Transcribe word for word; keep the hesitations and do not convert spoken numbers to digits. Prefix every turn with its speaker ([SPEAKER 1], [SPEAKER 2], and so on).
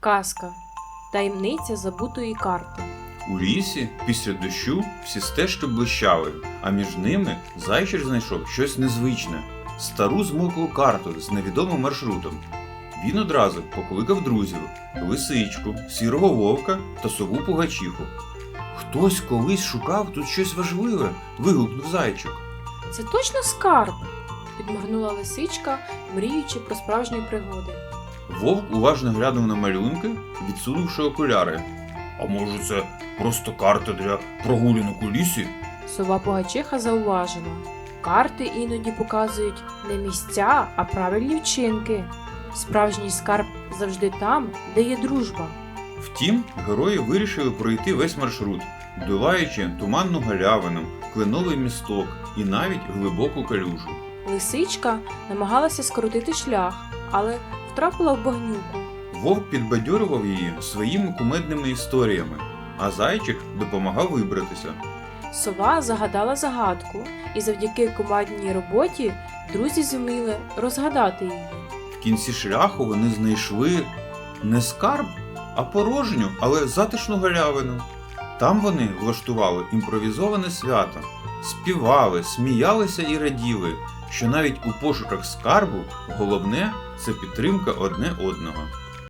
[SPEAKER 1] Казка. Таємниця забутої карти.
[SPEAKER 2] У лісі після дощу всі стежки блищали, а між ними зайчик знайшов щось незвичне – стару змоклу карту з невідомим маршрутом. Він одразу покликав друзів – лисичку, сірого вовка та сову пугачиху. «Хтось колись шукав тут щось важливе!» – вигукнув зайчик.
[SPEAKER 1] Це точно скарб? Підморгнула лисичка, мріючи про справжні пригоди.
[SPEAKER 2] Вовк уважно глянув на малюнки, відсунувши окуляри. «А може це просто карта для прогулянок у лісі?»
[SPEAKER 1] Сова Пугачиха зауважила. Карти іноді показують не місця, а правильні вчинки. Справжній скарб завжди там, де є дружба.
[SPEAKER 2] Втім, герої вирішили пройти весь маршрут, долаючи туманну галявину, кленовий місток і навіть глибоку калюжу.
[SPEAKER 1] Лисичка намагалася скоротити шлях, але втрапила в багнюку.
[SPEAKER 2] Вовк підбадьорював її своїми кумедними історіями, а зайчик допомагав вибратися.
[SPEAKER 1] Сова загадала загадку, і завдяки командній роботі друзі зуміли розгадати її.
[SPEAKER 2] В кінці шляху вони знайшли не скарб, а порожню, але затишну галявину. Там вони влаштували імпровізоване свято, співали, сміялися і раділи, що навіть у пошуках скарбу головне – це підтримка одне одного.